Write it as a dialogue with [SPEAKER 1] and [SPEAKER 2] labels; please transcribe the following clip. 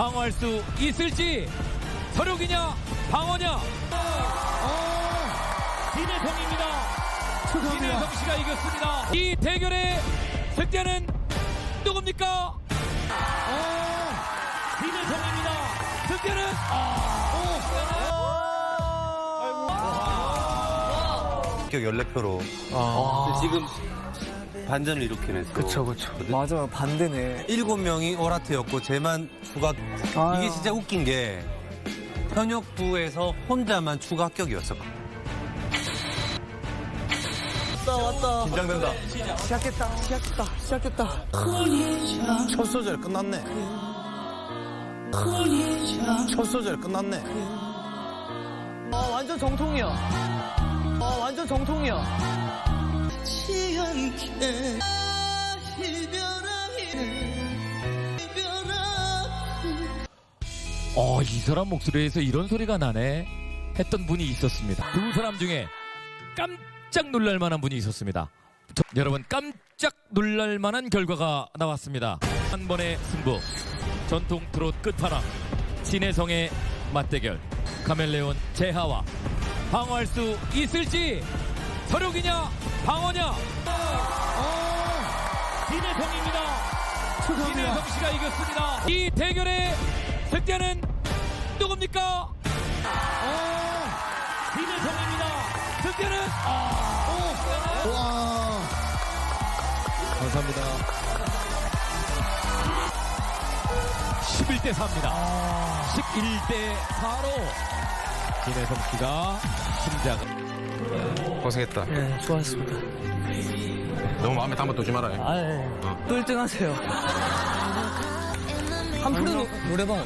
[SPEAKER 1] 방어할 수 있을지. 서륙이냐 방어냐. 진혜성입니다. 진혜성 씨가 이겼습니다. 이 대결의 승자는 누굽니까? 진혜성입니다. 승자는
[SPEAKER 2] 합격 14표로 지금 반전을 일으키면서
[SPEAKER 3] 그쵸. 맞아, 반대네.
[SPEAKER 2] 7명이 오라트였고 쟤만 추가. 이게 진짜 웃긴 게 현역부에서 혼자만 추가 합격이었어.
[SPEAKER 3] 왔다.
[SPEAKER 2] 긴장된다.
[SPEAKER 3] 시작했다.
[SPEAKER 2] 첫 소절 끝났네. 첫 소절 끝났네.
[SPEAKER 3] 완전 정통이야. 완전 정통이야.
[SPEAKER 1] 이 사람 목소리에서 이런 소리가 나네 했던 분이 있었습니다. 두 사람 중에 깜짝 놀랄 만한 분이 있었습니다. 여러분, 깜짝 놀랄 만한 결과가 나왔습니다. 한 번의 승부, 전통 트롯 끝판왕 진혜성의 맞대결. 카멜레온 재하와 방어할 수 있을지. 서륙이냐 방어냐. 진혜성입니다. 진혜성 씨가 이겼습니다. 이 대결의 승자는 누굽니까? 진혜성입니다. 승자는 감사합니다. 11대 4입니다. 11대 4로 진혜성 씨가 심장을.
[SPEAKER 2] 고생했다.
[SPEAKER 3] 네, 수고하셨습니다.
[SPEAKER 2] 너무 마음에 담아두지 말아요.
[SPEAKER 3] 또 1등 하세요. 한 프로 노래방